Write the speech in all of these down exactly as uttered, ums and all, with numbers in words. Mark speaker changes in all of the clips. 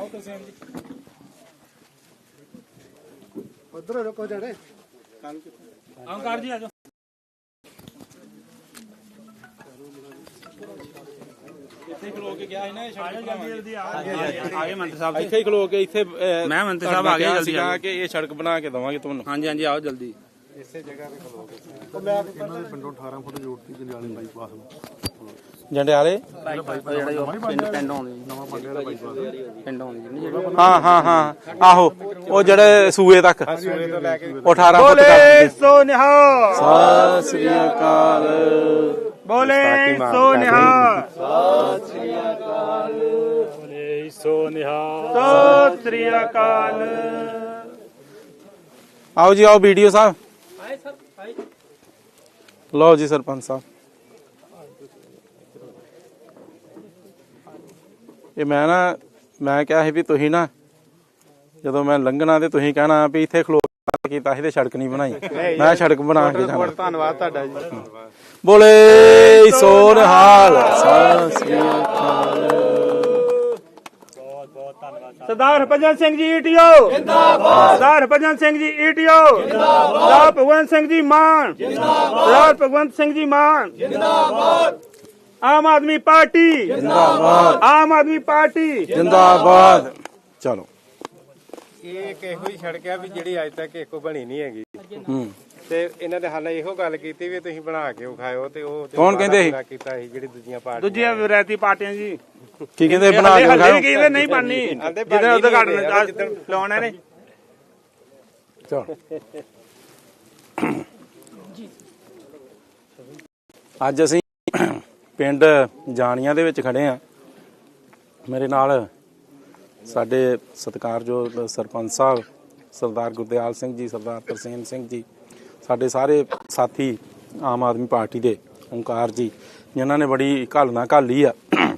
Speaker 1: उधर रुको जड़े
Speaker 2: अंकार जी आ जाओ। ਇੱਥੇ ਖਲੋ ਕੇ ਗਿਆ ਸੀ ਨਾ ਸੜਕ ਜਲਦੀ ਜਲਦੀ ਆਗੇ ਮੰਤਰੀ ਸਾਹਿਬ ਇੱਥੇ ਹੀ ਖਲੋ ਕੇ ਇੱਥੇ ਮੈਂ ਮੰਤਰੀ ਸਾਹਿਬ ਆ ਗਏ ਜਲਦੀ ਆ ਕੇ ਇਹ ਸੜਕ ਬਣਾ ਕੇ ਦਵਾਂਗੇ ਤੁਹਾਨੂੰ। ਹਾਂਜੀ ਹਾਂਜੀ ਆਓ ਜਲਦੀ ਇਸੇ ਜਗ੍ਹਾ ਤੇ ਖਲੋ ਕੇ ਉਹ ਮੈਂ ਇਹਨਾਂ ਦੇ ਪਿੰਡੋਂ ਅਠਾਰਾਂ ਫੁੱਟ ਜੋੜਤੀ ਜੰਡਿਆਲੇ ਬਾਈਪਾਸ ਨੂੰ ਜੰਡਿਆਲੇ ਪਿੰਡ ਪਿੰਡ ਆਉਂਦੀ ਨਵਾਂ ਪੰਡੇ ਵਾਲਾ ਬਾਈਪਾਸ ਪਿੰਡ ਆਉਂਦੀ ਹਾਂ ਹਾਂ ਹਾਂ ਆਹੋ ਉਹ ਜਿਹੜੇ ਸੂਏ ਤੱਕ ਸੂਏ ਤੋਂ ਲੈ ਕੇ ਅਠਾਰਾਂ ਫੁੱਟ ਬੋਲੇ ਸੋ ਨਿਹਾਲ ਸਤਿ ਸ੍ਰੀ ਅਕਾਲ बोले सो निहाल सत श्री अकाल बोले सो निहाल सत श्री अकाल। आओ जी आओ वीडियो साहब आए सर आए लो जी सरपंच साहब ये मैं ना मैं क्या है भी तुही ना ਜਦੋਂ ਮੈਂ ਲੰਘਣਾ ਤੇ ਤੁਸੀਂ ਕਹਿਣਾ ਵੀ ਇੱਥੇ ਖਲੋ ਕੀਤਾ ਸੀ ਤੇ ਸੜਕ ਨਹੀਂ ਬਣਾਈ ਮੈਂ ਸੜਕ ਬਣਾ ਕੇ ਜਾਣਾ। ਧੰਨਵਾਦ ਤੁਹਾਡਾ ਜੀ। ਬੋਲੇ ਸੋ ਨਿਹਾਲ ਸਤਿ ਸ੍ਰੀ ਅਕਾਲ। ਬਹੁਤ ਬਹੁਤ ਧੰਨਵਾਦ ਸਰਦਾਰ ਹਰਭਜਨ ਸਿੰਘ ਜੀ ਈਟੀਓ ਜਿੰਦਾਬਾਦ ਸਰਦਾਰ ਹਰਭਜਨ ਸਿੰਘ ਜੀ ਈਟੀਓ ਜਿੰਦਾਬਾਦ ਸਰਦਾਰ ਭਗਵੰਤ ਸਿੰਘ ਜੀ ਮਾਨ ਜਿੰਦਾਬਾਦ ਸਰਦਾਰ ਭਗਵੰਤ ਸਿੰਘ ਜੀ ਮਾਨ ਜਿੰਦਾਬਾਦ ਆਮ ਆਦਮੀ ਪਾਰਟੀ ਜਿੰਦਾਬਾਦ ਆਮ ਆਦਮੀ ਪਾਰਟੀ ਜਿੰਦਾਬਾਦ। ਚਲੋ
Speaker 3: ਇਹ ਕਿਹੋ ਹੀ ਸੜਕ ਆ ਵੀ ਜਿਹੜੀ ਅੱਜ ਤੱਕ ਇੱਕੋ ਬਣੀ ਨਹੀਂ ਹੈਗੀ ਤੇ ਇਹਨਾਂ ਦੇ ਹਾਲੇ ਇਹੋ ਗੱਲ ਕੀਤੀ ਵੀ ਤੁਸੀਂ ਬਣਾ ਕੇ ਵਿਖਾਇਓ ਤੇ ਉਹ
Speaker 2: ਕੌਣ ਕਹਿੰਦੇ ਸੀ
Speaker 3: ਕੀਤਾ ਸੀ ਜਿਹੜੀ ਦੂਜੀਆਂ ਪਾਰਟੀਆਂ
Speaker 2: ਦੂਜੀਆਂ ਵਿਰਾਇਤੀ ਪਾਰਟੀਆਂ ਜੀ ਕੀ ਕਹਿੰਦੇ ਬਣਾ ਕੇ ਵਿਖਾਇਓ ਕਹਿੰਦੇ ਨਹੀਂ ਬਣਨੀ ਜਿਹਦੇ ਉਦਘਾਟਨ ਲਾਉਣੇ ਨੇ। ਚਲੋ ਅੱਜ ਅਸੀਂ ਪਿੰਡ ਜਾਣੀਆਂ ਦੇ ਵਿੱਚ ਖੜੇ ਆ। ਮੇਰੇ ਨਾਲ ਸਾਡੇ ਸਤਿਕਾਰਯੋਗ ਸਰਪੰਚ ਸਾਹਿਬ ਸਰਦਾਰ ਗੁਰਦਿਆਲ ਸਿੰਘ ਜੀ ਸਰਦਾਰ ਤਰਸੇਮ ਸਿੰਘ ਜੀ ਸਾਡੇ ਸਾਰੇ ਸਾਥੀ ਆਮ ਆਦਮੀ ਪਾਰਟੀ ਦੇ ਓਂਕਾਰ ਜੀ ਜਿਨ੍ਹਾਂ ਨੇ ਬੜੀ ਘਾਲਣਾ ਘਾਲੀ ਆ।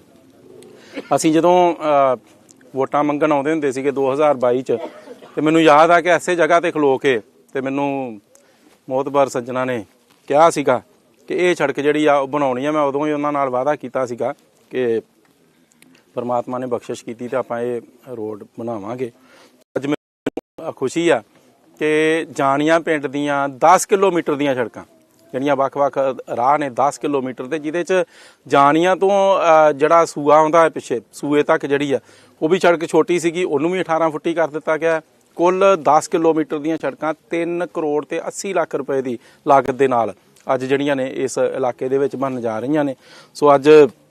Speaker 2: ਅਸੀਂ ਜਦੋਂ ਵੋਟਾਂ ਮੰਗਣ ਆਉਂਦੇ ਹੁੰਦੇ ਸੀਗੇ ਦੋ ਹਜ਼ਾਰ ਬਾਈ ਚ ਤੇ ਮੈਨੂੰ ਯਾਦ ਆ ਕਿ ਐਸੇ ਜਗ੍ਹਾ ਤੇ ਖਲੋ ਕੇ ਤੇ ਮੈਨੂੰ ਮੋਹਤਬਰ ਸੱਜਣਾ ਨੇ ਕਿਹਾ ਸੀਗਾ ਕਿ ਇਹ ਸੜਕ ਜਿਹੜੀ ਆ ਉਹ ਬਣਾਉਣੀ ਆ। ਮੈਂ ਉਦੋਂ ਹੀ ਉਹਨਾਂ ਨਾਲ ਵਾਅਦਾ ਕੀਤਾ ਸੀਗਾ ਕਿ ਪਰਮਾਤਮਾ ਨੇ ਬਖਸ਼ਿਸ਼ ਕੀਤੀ ਤੇ ਆਪਾਂ ਇਹ ਰੋਡ ਬਣਾਵਾਂਗੇ। ਅੱਜ ਮੈਨੂੰ ਖੁਸ਼ੀ ਆ ਕਿ ਜਾਣੀਆਂ ਪਿੰਡ ਦੀਆਂ ਦਸ ਕਿਲੋਮੀਟਰ ਦੀਆਂ ਸੜਕਾਂ ਜਿਹੜੀਆਂ ਵੱਖ-ਵੱਖ ਰਾਹ ਨੇ ਦਸ ਕਿਲੋਮੀਟਰ ਤੇ ਜਿਹਦੇ ਚ ਜਾਣੀਆਂ ਤੋਂ ਜਿਹੜਾ ਸੂਆ ਆਉਂਦਾ ਹੈ ਪਿੱਛੇ ਸੂਏ ਤੱਕ ਜਿਹੜੀ ਆ ਉਹ ਵੀ ਸੜਕ ਛੋਟੀ ਸੀਗੀ ਉਹਨੂੰ ਵੀ ਅਠਾਰਾਂ ਫੁੱਟੀ ਕਰ ਦਿੱਤਾ ਗਿਆ। ਕੁੱਲ ਦਸ ਕਿਲੋਮੀਟਰ ਦੀਆਂ ਸੜਕਾਂ ਤਿੰਨ ਕਰੋੜ ਤੇ ਅੱਸੀ ਲੱਖ ਰੁਪਏ ਦੀ ਲਾਗਤ ਦੇ ਨਾਲ ਅੱਜ ਜਿਹੜੀਆਂ ਨੇ ਇਸ ਇਲਾਕੇ ਦੇ ਵਿੱਚ ਬਣਨ ਜਾ ਰਹੀਆਂ ਨੇ। ਸੋ ਅੱਜ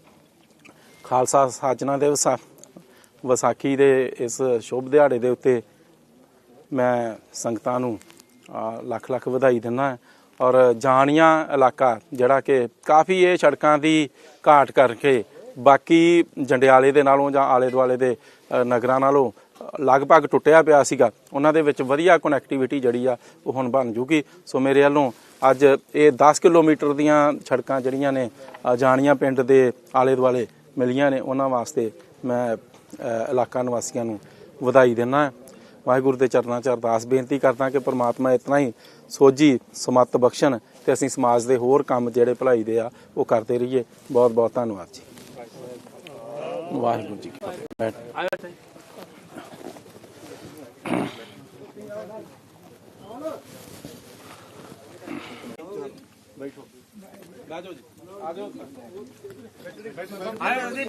Speaker 2: ਖਾਲਸਾ ਸਾਜਨਾ ਦੇ ਵਿਸਾਖੀ ਦੇ ਇਸ ਸ਼ੁਭ ਦਿਹਾੜੇ ਦੇ ਉੱਤੇ ਮੈਂ ਸੰਗਤਾਂ ਨੂੰ ਲੱਖ ਲੱਖ ਵਧਾਈ ਦਿੰਦਾ ਔਰ ਜਾਣੀਆਂ ਇਲਾਕਾ ਜਿਹੜਾ ਕਿ ਕਾਫੀ ਇਹ ਸੜਕਾਂ ਦੀ ਘਾਟ ਕਰਕੇ ਬਾਕੀ ਜੰਡਿਆਲੇ ਦੇ ਨਾਲੋਂ ਜਾਂ ਆਲੇ ਦੁਆਲੇ ਦੇ ਨਗਰਾਂ ਨਾਲੋਂ ਲਗਭਗ ਟੁੱਟਿਆ ਪਿਆ ਸੀਗਾ ਉਹਨਾਂ ਦੇ ਵਿੱਚ ਵਧੀਆ ਕਨੈਕਟੀਵਿਟੀ ਜਿਹੜੀ ਆ ਉਹ ਹੁਣ ਬਣ ਜੂਗੀ। ਸੋ ਮੇਰੇ ਵੱਲੋਂ ਅੱਜ ਇਹ ਦਸ ਕਿਲੋਮੀਟਰ ਦੀਆਂ ਸੜਕਾਂ ਜਿਹੜੀਆਂ ਨੇ ਜਾਣੀਆਂ ਪਿੰਡ ਦੇ ਆਲੇ ਦੁਆਲੇ ਮਿਲੀਆਂ ਨੇ ਉਹਨਾਂ ਵਾਸਤੇ ਮੈਂ ਇਲਾਕਾ ਨਿਵਾਸੀਆਂ ਨੂੰ ਵਧਾਈ ਦਿੰਦਾ। ਵਾਹਿਗੁਰੂ ਦੇ ਚਰਨਾਂ 'ਚ ਅਰਦਾਸ ਬੇਨਤੀ ਕਰਦਾ ਕਿ ਪ੍ਰਮਾਤਮਾ ਇਤਨਾ ਹੀ ਸੋਝੀ ਸਮੱਤ ਬਖਸ਼ਣ ਤੇ ਅਸੀਂ ਸਮਾਜ ਦੇ ਹੋਰ ਕੰਮ ਜਿਹੜੇ ਭਲਾਈ ਦੇ ਆ ਉਹ ਕਰਦੇ ਰਹੀਏ। ਬਹੁਤ ਬਹੁਤ ਧੰਨਵਾਦ ਜੀ। ਵਾਹਿਗੁਰੂ ਜੀ ਕੀ ਫਤਿਹ। ਬੈਠੋ ਆ ਜਾਓ ਜੀ ਆ ਜਾਓ।